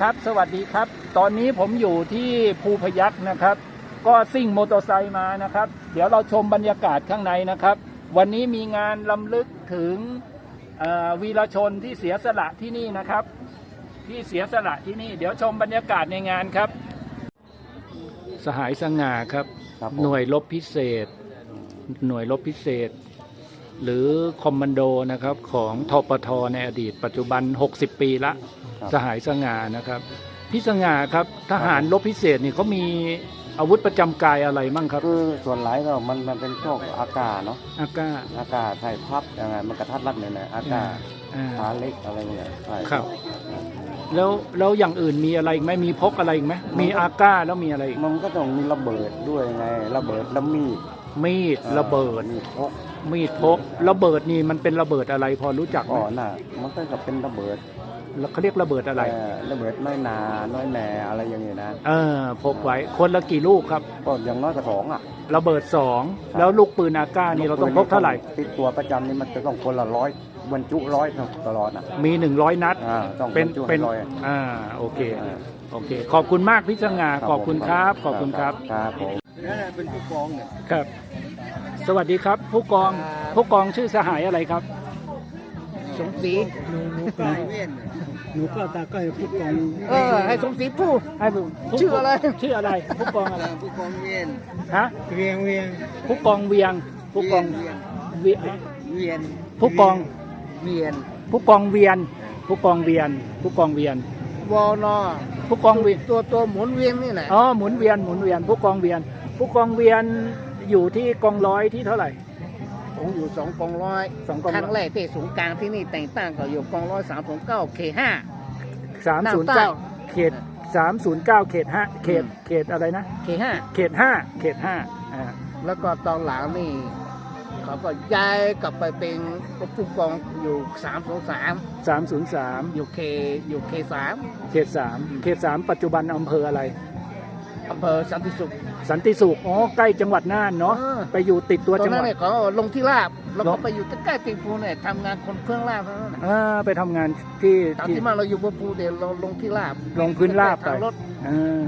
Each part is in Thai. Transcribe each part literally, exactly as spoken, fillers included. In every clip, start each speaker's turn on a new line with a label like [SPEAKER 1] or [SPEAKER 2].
[SPEAKER 1] ครับ สวัสดีครับ ตอนนี้ผมอยู่ที่ภูพยัคฆ์นะครับ ก็ซิ่งมอเตอร์ไซค์มานะครับ เดี๋ยวเราชมบรรยากาศข้างในนะครับ วันนี้มีงานรำลึกถึงวีรชนที่เสียสละที่นี่นะครับ ที่เสียสละที่นี่ เดี๋ยวชมบรรยากาศในงานครับ สหายสง่าครับ หน่วยรบพิเศษ หน่วยรบพิเศษ หรือคอมมานโดนะครับของทปทในอดีตปัจจุบันหกสิบปีละสหายสง่านะครับพี่สง่าครับทหารรบพิเศษนี่เขามีอาวุธประจำกายอะไรมั่งครับ
[SPEAKER 2] คือส่วนหลายก็มันมันเป็นพวกอากาศเนาะ
[SPEAKER 1] อากาศ
[SPEAKER 2] อากาศไทยพับยังไงมันกระทัดรัดเนี่ยนะอากาศขาเล็กอะไรเงี้ยใช่
[SPEAKER 1] ครับแล้วแล้วอย่างอื่นมีอะไรอีกไหมมีพกอะไรอีกไหมมีอากาศแล้วมีอะไรอีก
[SPEAKER 2] มันก็ต้องมีระเบิดด้วยไงระเบิดแล้วมีด
[SPEAKER 1] มีดระเบิด
[SPEAKER 2] มีดพก
[SPEAKER 1] มีดพกระเบิดนี่มันเป็นระเบิดอะไรพอรู้จักไหม
[SPEAKER 2] อ๋อน่ะมันก็จะเป็นระเบิด
[SPEAKER 1] เขาเรียกระเบิดอะไร
[SPEAKER 2] ระเบิดน้อยนาน้อยแหน่อะไรอย่างเงี้ยนะ
[SPEAKER 1] เออพกไว้คนละกี่ลูกครับ
[SPEAKER 2] ก็อย่างน้อยก็สองอ่ะ
[SPEAKER 1] ระเบิดสองแล้วลูกปืนอากาศนี่เราต้องพกเท่าไหร่
[SPEAKER 2] ติดตัวประจำนี่มันจะต้องคนละร้อยบรรจุร้อยตลอดอ่ะ
[SPEAKER 1] มีหนึ่งร้อยนัด
[SPEAKER 2] เป็น
[SPEAKER 1] เป็นร้อยอ่าโอเคโอเคขอบคุณมากพี่สง่าขอบคุณครับขอบคุณครับ
[SPEAKER 2] ครับผมนั่นเป็นผู้กองเนี่ย
[SPEAKER 1] ครับสวัสดีครับผู้กองผู้กองชื่อสหายอะไรครับ
[SPEAKER 3] สมศรี
[SPEAKER 4] หนูหนูก็หนูก็ตาก็ให้ผู้กอง
[SPEAKER 3] เออให้สมศรีผู้
[SPEAKER 1] ให้
[SPEAKER 3] ชื่ออะไร
[SPEAKER 1] ชื่ออะไรผู้กองอะไร
[SPEAKER 3] ผู้กองเวียน
[SPEAKER 1] ฮะ
[SPEAKER 4] เวียงเวียง
[SPEAKER 1] ผู้กองเวียงผู้กอง
[SPEAKER 3] เวียนเวียน
[SPEAKER 1] ผู้กอง
[SPEAKER 3] เวียน
[SPEAKER 1] ผู้กองเวียนผู้กองเวียนผู้กองเวียน
[SPEAKER 3] วอนอ
[SPEAKER 1] ผู้กองเวียน
[SPEAKER 3] ตัวตัวหมุนเวียนนี่แหละ
[SPEAKER 1] อ๋อหมุนเวียนหมุนเวียนผู้กองเวียนผู้กองเวียนอยู่ที่กองร้อยที่เท่าไหร่
[SPEAKER 3] ผมอยู่สองกองร้อย
[SPEAKER 1] สองกอง
[SPEAKER 3] ครั้งแรกที่ศูนย์กลางที่นี่แต่งตั้งก็อยู่กองร้อยสามศูนย์เก้าเขตห้า
[SPEAKER 1] สามศูนย์เก้าเขตสามศูนย์เก้าเขตห้าเขตเขตอะไรนะ
[SPEAKER 3] เขตห้า
[SPEAKER 1] เขตห้าเขตห้าอ่า
[SPEAKER 3] แล้วก็ตอนหลังนี่เขาก็ย้ายกลับไปเป็นผู้กองอยู่สามศูนย์สาม
[SPEAKER 1] สามศูนย์สาม
[SPEAKER 3] อยู่เคอยู่เคสาม
[SPEAKER 1] เขตสามเขตสามปัจจุบันอำเภออะไร
[SPEAKER 3] อำเภอสันติสุข
[SPEAKER 1] สันติสุขอ๋อใกล้จังหวัดน่านเนาะไปอยู่ติดตัวจังหวัดตอนนั้น
[SPEAKER 3] เนี่ยเขาลงที่ลาบแล้วก็ไปอยู่ใกล้ๆตีภูเนี่ยทำงานคนเครื่องลาบนั่น
[SPEAKER 1] อ่าไปทำงานที่
[SPEAKER 3] ตอนที่มาเราอยู่บนภูเดี๋ยวเราลงที่ลาบ
[SPEAKER 1] ลงพื้นลาบไปอ่า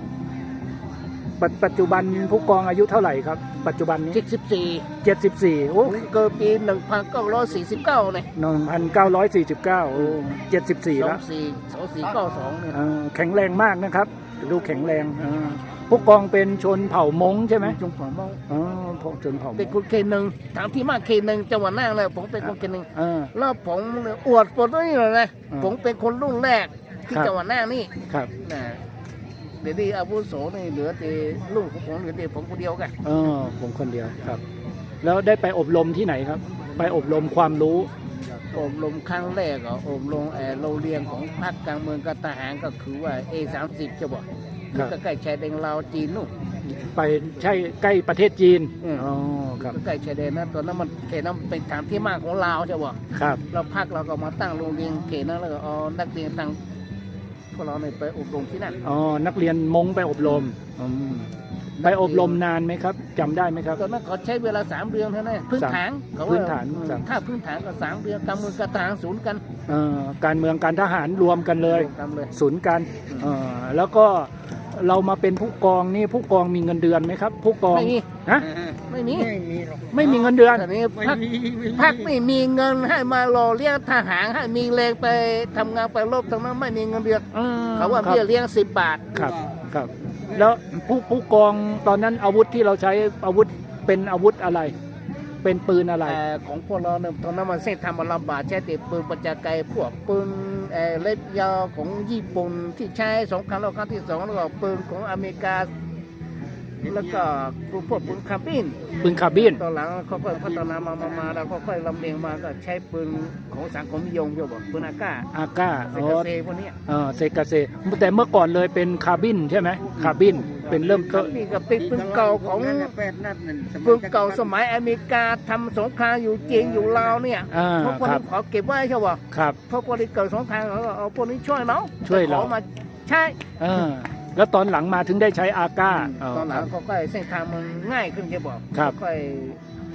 [SPEAKER 1] ปัจจุบันผู้กองอายุเท่าไหร่ครับปัจจุบันนี้
[SPEAKER 3] เจ็ดสิบสี่
[SPEAKER 1] เจ็ดสิบสี่โอ้
[SPEAKER 3] เกิดปีหนึ่งพันเก้าร้อยสี่สิบเก้าเลย
[SPEAKER 1] หนึ่งพันเก้าร้อยสี่สิบเก้าโอ้เจ็ดสิบสี่แล้ว
[SPEAKER 3] สองสี่สองสี่เก้าสองเนี่ย
[SPEAKER 1] แข็งแรงมากนะครับดูแข็งแรงผู้กองเป็นชนเผ่ามงใช่ไหม
[SPEAKER 3] ชนเผ่ามง
[SPEAKER 1] อ๋อชนเผ่ามง
[SPEAKER 3] เป็นคนเขตหนึ่งถามที่มาเขตหนึ่งจังหวัดน่านเลยผมเป็นคนเขตหนึ่งแล้วผมอวดปนนี่เลยนะผมเป็นคนรุ่นแรกที่จังหวัดน่านนี่
[SPEAKER 1] ครับ
[SPEAKER 3] นะเดี๋ยวที่อาวุโสนี่เหลือแต่ลูกของผมเหลือแต่ผมคนเดียวกัน
[SPEAKER 1] เออผมคนเดียวครับแล้วได้ไปอบรมที่ไหนครับไปอบรมความรู้
[SPEAKER 3] อบรมครั้งแรกก็อบรมแอร์โรงเรียนของพรรคกลางเมืองกับทหารก็คือว่า เอ สามสิบ จะบอกก็ใกล้ชายแดนลาวจีนนู่น
[SPEAKER 1] ไปใช่ใกล้ประเทศจีนอ๋อครับ
[SPEAKER 3] ใกล้ชายแดนนะตอนนั้นมันเขตนั้นเป็นฐานที่มั่นของลาวจะบอก
[SPEAKER 1] ครับ
[SPEAKER 3] เราพรรคเราก็มาตั้งโรงเรียนเขตนั้นแล้วก็เอานักเรียนตั้งพวกเราไปอบรมที่นั่น
[SPEAKER 1] อ๋อนักเรียนมงไปอบรมไปอบรมนานไหมครับจำได้ไหมครับ
[SPEAKER 3] ตอนนั้นเขาใช้เวลาสามเดือนเท่านั้นพื้นฐาน
[SPEAKER 1] พื้นฐาน
[SPEAKER 3] ถ้าพื้นฐานก็สามเดือนการเมืองการทหารศูนย์กัน
[SPEAKER 1] การเมืองการทหารรวมกันเลยศูนย์กันแล้วก็เรามาเป็นผู้กองนี่ผู้กองมีเงินเดือนไหมครับผู้กอง
[SPEAKER 3] ไม่มี
[SPEAKER 1] ฮะ
[SPEAKER 3] ไม่มี
[SPEAKER 1] ไม่มีเงินเดือน
[SPEAKER 3] แต่นี้พักพักไม่มีเงินให้มาหล่อเลี้ยงทหารให้มีแรงไปทำงานไปรบตรงนั้นไม่มีเงินเดือนเขาว่าเบี้ยเลี้ยงสิบบาท
[SPEAKER 1] ครับครับแล้วผู้ผู้กองตอนนั้นอาวุธที่เราใช้อาวุธเป็นอาวุธอะไรเป็นปืนอะไร
[SPEAKER 3] ของพวกเราเนี่ยตอนนั้นมันเส้นทำมันลำบากใช้แต่ปืนประจักษ์ไกลพวกปืนเล็บยาวของญี่ปุ่นที่ใช้สงครามโลกครั้งที่สองแล้วก็ปืนของอเมริกาแล้วก็พวกปืนคาร์บิน
[SPEAKER 1] ปืนคาร์บิน
[SPEAKER 3] ตอนหลังเขาค่อยพัฒนามามามาแล้วเขาค่อยลำเลียงมาก็ใช้ปืนของสังคมนิยมเยอะบอกปืนอากา
[SPEAKER 1] อากา
[SPEAKER 3] เซกาเซพวกนี้
[SPEAKER 1] เออเซกาเซแต่เมื่อก่อนเลยเป็นคาร์บินใช่ไหมคาร์บินเป็นเริ่ม
[SPEAKER 3] ก็นี่ก็เป็นปืนเก่าของปืนเก่าสมัยอเมริกาทำสงครามอยู่จีนอยู่ลาวเนี่ยพวกพวกนี้ขอเก็บไว้ใช่ป่ะ
[SPEAKER 1] ครับ
[SPEAKER 3] พวกพวกนี้เกิดสงครามเขาเอาพวกนี้ช่วยเรา
[SPEAKER 1] ช่วยเรา
[SPEAKER 3] มาใช่
[SPEAKER 1] แล้วตอนหลังมาถึงได้ใช้อาก้า
[SPEAKER 3] ตอนหลังเขาค่อยเส้นทางมันง่ายขึ้นจะบอกค่อยท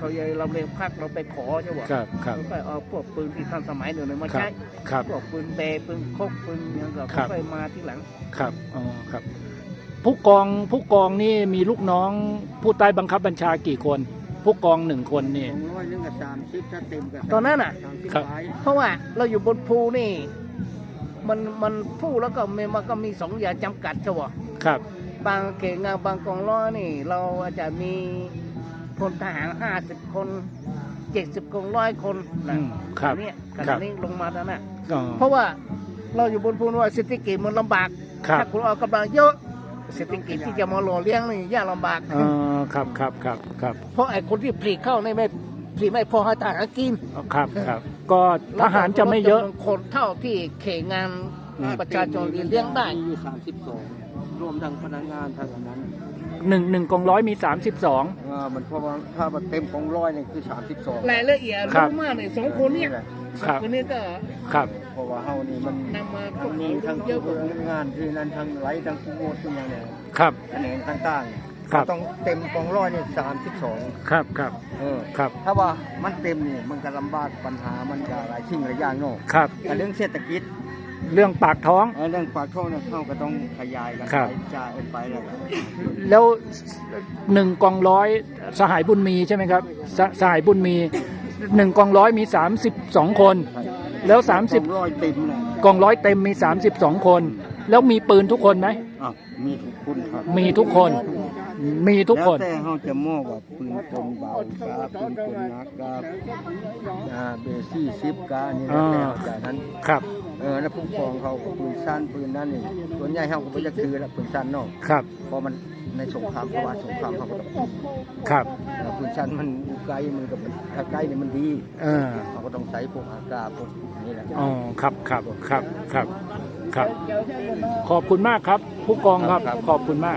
[SPEAKER 3] เขาใหญ่ลำเลียงพักเราไปขอใช่ไหม
[SPEAKER 1] ครับครับ
[SPEAKER 3] ก็เอาพวกปืนที่ทันสมัยหนึ่งมา
[SPEAKER 1] ครั
[SPEAKER 3] ใช้
[SPEAKER 1] บครับ
[SPEAKER 3] พวกปืนเบปืนโคกปืนอย่างก็
[SPEAKER 1] ครับ
[SPEAKER 3] ค่อยมาที่หลัง
[SPEAKER 1] ครับอ๋อครับผู้กองผู้กองนี่มีลูกน้องผู้ใต้บังคับบัญชากี่คน ผู้กองหนึ่งคนนี่
[SPEAKER 4] สองร้อยนึงกับสามสิบถ้าเต็มกับ
[SPEAKER 3] ตอนนั้นน่ะ
[SPEAKER 4] สามสิบ
[SPEAKER 1] ครับ
[SPEAKER 4] หลาย
[SPEAKER 3] เพราะว่าเราอยู่บนภูนี่ มันมันภูแล้วก็มีมันก็มีสองอย่างจำกัดใช่ไหม
[SPEAKER 1] ครับ
[SPEAKER 3] บางเก่งงานบางกองร้อยนี่ เราอาจจะมีพลทหารห้าสิบคนเจ็ดสิบกองร้อยคนนะ
[SPEAKER 1] อืมครับ
[SPEAKER 3] อันเนี้ยข
[SPEAKER 1] ครั
[SPEAKER 3] ณะ
[SPEAKER 1] บ
[SPEAKER 3] นี้ลงมาแล้วนะ
[SPEAKER 1] อ๋อ
[SPEAKER 3] เพราะว่าเราอยู่บนภูว่าเศรษฐกิจมันลำบาก
[SPEAKER 1] ครับ
[SPEAKER 3] ถ้าคุณเอากำลังเยอะเศรษฐกิจที่จะมาหล่อเลี้ยงนี่ยากลำบาก
[SPEAKER 1] อ๋อครับครับครับครับ
[SPEAKER 3] เพราะไอ้คนที่ผลิตเข้าในไม่ผลิตไม่พอให้ทหารกิน
[SPEAKER 1] ครับครับก็ทหารจะไม่เยอะ
[SPEAKER 3] ลดจำนวนคนเท่าที่เขตงาน
[SPEAKER 1] อืม
[SPEAKER 3] ประชาชนเลี้ยงได้
[SPEAKER 4] มีอยู่สามสิบสองรวมทั้งพนักงานทั้งอันนั้น
[SPEAKER 1] หนึ่งหนึ่งกองร้อยมีสามสิบสอง
[SPEAKER 4] อ่ามันเพราะว่าถ้ามันเต็มของร้อยเนี่ยคือสามสิบสอง
[SPEAKER 3] รายละเอียด
[SPEAKER 1] ครับ
[SPEAKER 3] รู้มากเลยสองคนเนี่ย
[SPEAKER 1] ครับ
[SPEAKER 3] คนนี้ก็
[SPEAKER 1] ครับ
[SPEAKER 4] เพราะว่าเฮานี่มัน
[SPEAKER 3] นำมาพว
[SPEAKER 4] มั
[SPEAKER 3] ก
[SPEAKER 4] นมี
[SPEAKER 3] นี้
[SPEAKER 4] ทั้ง
[SPEAKER 3] เยอะกว่า
[SPEAKER 4] งานที่นั่นทั้งไหลทั้งผู้โมดทุกอย่างเนี่ย
[SPEAKER 1] ครับ
[SPEAKER 4] แขนงต่างๆ
[SPEAKER 1] ครับ
[SPEAKER 4] ต้องเต็มกองร้อยเนี่ยสามสิบสอง
[SPEAKER 1] ครับครับ
[SPEAKER 4] เออ
[SPEAKER 1] ครับ
[SPEAKER 4] ถ้าว่ามันเต็มนี่มันก็ลำบากปัญหามันก็หลายสิ่งหลายอย่างเนาะ
[SPEAKER 1] ครับ
[SPEAKER 4] แต่เรื่องเศรษฐกิจ
[SPEAKER 1] เรื่องปากท้อง
[SPEAKER 4] เอ่อเรื่องปากท้องเนี่ยเขาก็ต้องขยายกัน
[SPEAKER 1] ครับ
[SPEAKER 4] ไปจ่ายไปแล้วก็
[SPEAKER 1] แล้วหนึ่งกองร้อยสหายบุญมีใช่ไหมครับสสหายบุญมีหนึ่งกองร้อยมีสามสิบสองคน แล้วสามสิบ
[SPEAKER 4] กองร้อยเต็มเลย
[SPEAKER 1] กองร้อยเต็มมีสามสิบสองคน แล้วมีปืนทุกคนไหม
[SPEAKER 4] อ้าวมีทุกคนครับ
[SPEAKER 1] มีทุกคน มีทุกคน
[SPEAKER 4] แล้วแต่เขาจะมองว่าปืนกลเบากาปืนกลหนักกาอ่าเบซี่ซิปกานี่แล้วแต่จากนั้น
[SPEAKER 1] ครับ
[SPEAKER 4] เออแล้วผู้กองเขาก็ปืนสั้นปืนนั่นนี่ส่วนใหญ่เขาก็ไม่จะคือแล้วปืนสั้นเนาะ
[SPEAKER 1] ครับ
[SPEAKER 4] เพราะมันในสงครามเพราะว่าสงครามเขาก็ต้องปืน
[SPEAKER 1] ครับ
[SPEAKER 4] แล้วปืนสั้นมันอยู่ไกลมันก็มันถ้าใกล้เนี่ยมันดี
[SPEAKER 1] เออ
[SPEAKER 4] เขาก็ต้องใช้พวกอากาศพวกนี่แหละ
[SPEAKER 1] อ๋อครับครับครับครับครับ ขอบคุณมากครับ ผู้กองครับ ขอบคุณมาก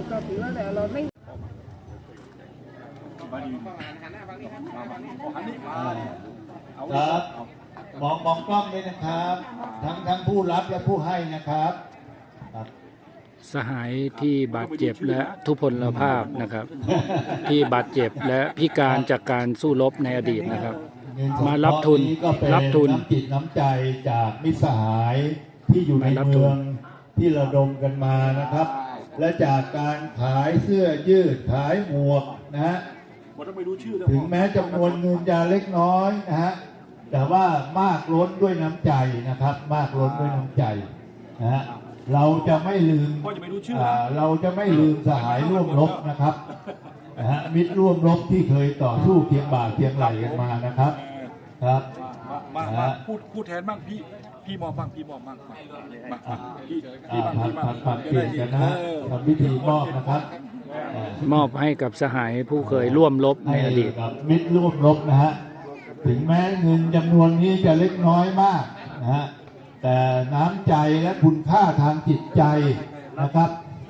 [SPEAKER 5] ครับมองมองกล้องด้วยนะครับ ทั้งทั้งผู้รับและผู้ให้นะครับครับ
[SPEAKER 1] สหายที่บาดเจ็บและทุพพลภาพนะครับ ที่บาดเจ็บและพิการจากการสู้รบในอดีตนะครับ
[SPEAKER 5] เงินสง
[SPEAKER 1] มารับทุน
[SPEAKER 5] เคราะห์ก็เป็น
[SPEAKER 1] รับทุน
[SPEAKER 5] น้ำจิตน้ำใจจากมิตรสหายที่อยู่ใน
[SPEAKER 1] มารับทุ
[SPEAKER 5] เมื
[SPEAKER 1] น
[SPEAKER 5] องที่ระดมกันมานะครับ และจากการขายเสื้อยืดขายหมวกนะฮะถึงแม้จำนวนเงินจะเล็กน้อยนะฮะแต่ว่ามากล้นด้วยน้ำใจนะครับ มากล้นด้วยน้ำใจนะฮะเราจะไม่ลืมอ่าเราจะไม่ลืมสหายร่วมรบนะครับนะฮะมิตรร่วมรบที่เคยต่อสู้เคียงบ่าเคียงไหลกันมานะครับครับ
[SPEAKER 6] มามาพูดพูดแทนบ้างพี่พี่มองบ้างพี่มองบ้างมามามาพี่
[SPEAKER 5] อ่า
[SPEAKER 6] พี่บ้าง
[SPEAKER 5] ผัด
[SPEAKER 6] พี่บ้าง
[SPEAKER 5] ผัดผัดเปลี่ยนกันนะฮะทำพิธีมอบนะครับอ่าม
[SPEAKER 1] อบให้กับสหายผู้เคยร่วมรบใน
[SPEAKER 5] ให้
[SPEAKER 1] อดีต
[SPEAKER 5] กับมิตรร่วมรบนะฮะถึงแม้เงินจำนวนนี้จะเล็กน้อยมากนะฮะแต่น้ำใจและคุณค่าทางจิตใจนะครับ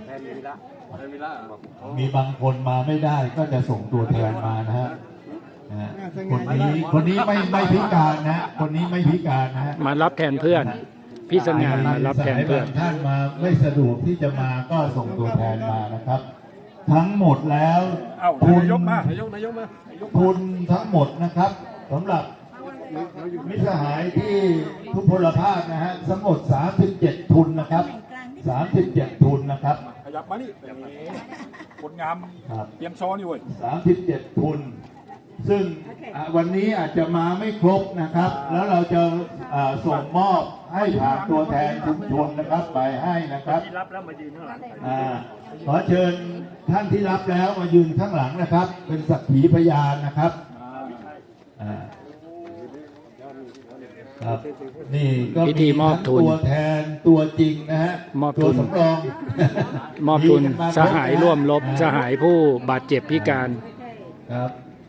[SPEAKER 5] มีบางคนมาไม่ได้ก็จะส่งตัวแทนมานะฮะนะฮะคนนี้คนนี้ไม่ไม่พิการนะฮะคนนี้ไม่พิการนะฮะ
[SPEAKER 1] มารับแทนเพื่อน พี่สง่ามารับแทนเพื่อน
[SPEAKER 5] สายบางท่านมาไม่สะดวกที่จะมาก็ส่งตัวแทนมานะครับ ทั้งหมดแล้ว
[SPEAKER 6] เอ้า
[SPEAKER 5] ทุน
[SPEAKER 6] นายกมานายกนายกมานายก
[SPEAKER 5] ทุนทั้งหมดนะครับสำหรับมิตรสหายที่ทุพพลภาพนะฮะทั้งหมดสามสิบเจ็ดทุนนะครับสามสิบเจ็ดทุนนะครับ
[SPEAKER 6] ขยับมานี่คนงาม
[SPEAKER 5] ครับ
[SPEAKER 6] เตรียมซ้อนนี่เว้ย
[SPEAKER 5] สามสิบเจ็ดทุน ซึ่งอ่ะวันนี้อาจจะมาไม่ครบนะครับ แล้วเราจะอ่าส่งมอบให้ผ่านตัวแทนชุมชนนะครับไปให้นะครับที่รับแล้วมายืนข้างหลังขอเชิญท่านที่รับแล้วมายืนข้างหลังนะครับ เป็นสักขีพยานนะครับอ่าครับนี่ก็
[SPEAKER 1] พิธีมอบทุน
[SPEAKER 5] ทั้งตัวแทนตัวจริงนะฮะ
[SPEAKER 1] มอบทุน
[SPEAKER 5] ตัวสำรอง
[SPEAKER 1] มอบทุน
[SPEAKER 5] กันมา
[SPEAKER 1] สหายร่วมรบ
[SPEAKER 5] นะฮะ
[SPEAKER 1] สหายผู้บาดเจ็บพิการ
[SPEAKER 5] ครับ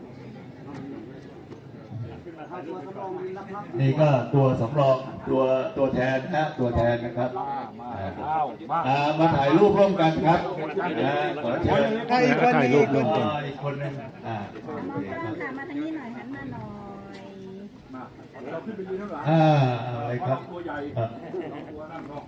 [SPEAKER 5] นี่ก็ตัวสำรองตัวตัวแทนนะตัวแทนนะครับ
[SPEAKER 6] เอ้ามา
[SPEAKER 5] อ่ามาถ่ายรูปร่วมกันครับนะขอเชิญ
[SPEAKER 1] ถ่ายรูปร่วมกัน
[SPEAKER 5] อ๋ออีกคนหนึงอ่าโอเคครับ
[SPEAKER 7] ค่ะมาทางนี้หน่อยหันมาหน่อย
[SPEAKER 6] เราขึ้นไปยืนข้างหลัง
[SPEAKER 5] อ่าอะไรครับ
[SPEAKER 6] ตัวใหญ่
[SPEAKER 5] ครับ
[SPEAKER 6] ตัวนั่งเนาะ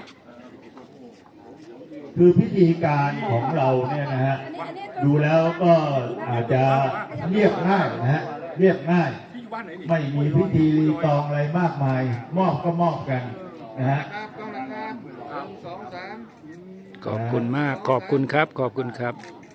[SPEAKER 5] คือพิธีการของเราเนี่ยนะฮะดูแล้วก็อาจจะเรียบง่ายนะฮะเรียบง่าย
[SPEAKER 6] พี่อยู่บ้านไหนนี่
[SPEAKER 5] ไม่มีพิธีรีตองอะไรมากมาย มอบก็มอบกันนะฮะ
[SPEAKER 1] ขอบคุณมากขอบคุณครับขอบคุณครับ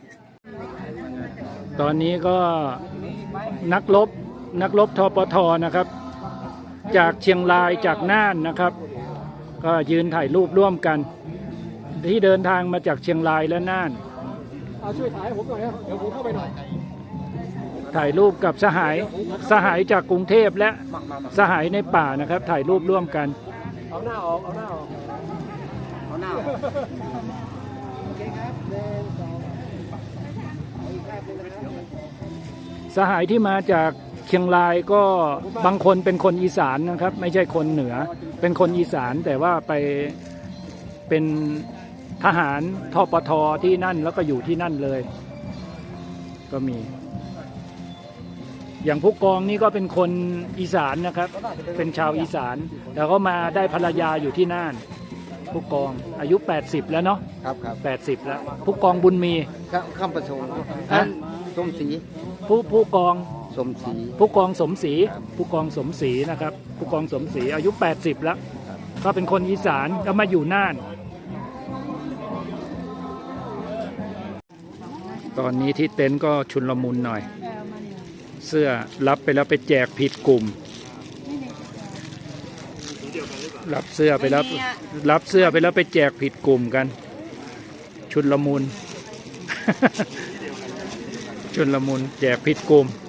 [SPEAKER 1] ตอนนี้ก็นักรบนักรบทปทนะครับ จากเชียงรายจากน่านนะครับ ก็ยืนถ่ายรูปร่วมกัน ที่เดินทางมาจากเชียงรายและน่านช่วยถ่ายผมหน่อยครับเดี๋ยวผมเข้าไปหน่อยถ่ายรูปกับสหายสหายจากกรุงเทพและสหายในป่านะครับ ถ่ายรูปร่วมกันเอาหน้าออกเอาหน้าออกเอาหน้าออกสหายที่มาจากเชียงรายก็บางคนเป็นคนอีสานนะครับ ไม่ใช่คนเหนือเป็นคนอีสานแต่ว่าไปเป็นทหารทปทที่นั่นแล้วก็อยู่ที่นั่นเลยก็มี อย่างผู้กองนี่ก็เป็นคนอีสานนะครับ เป็นชาวอีสานแต่ก็มาได้ภรรยาอยู่ที่น่านผู้กองอายุแปดสิบแล้วเนาะ
[SPEAKER 4] ครับครับ
[SPEAKER 1] แปดสิบแล้วผู้กองบุญมี
[SPEAKER 4] ข้ามประสงค์
[SPEAKER 1] ฮะ
[SPEAKER 4] สมศรี
[SPEAKER 1] ผู้ผู้กอง
[SPEAKER 4] สมศรี
[SPEAKER 1] ผู้กองสมศรีผู้กองสมศรีนะครับ ผู้กองสมศรีอายุแปดสิบแล้วก็เป็นคนอีสานก็มาอยู่น่านตอนนี้ที่เต็นท์ก็ชุนลมุนหน่อยเสื้อรับไปแล้วไปแจกผิดกลุ่มรับเสื้อไปแล้วรับเสื้อไปแล้วไปแจกผิดกลุ่มกันชุนลมุน ชุนลมุนแจกผิดกลุ่ม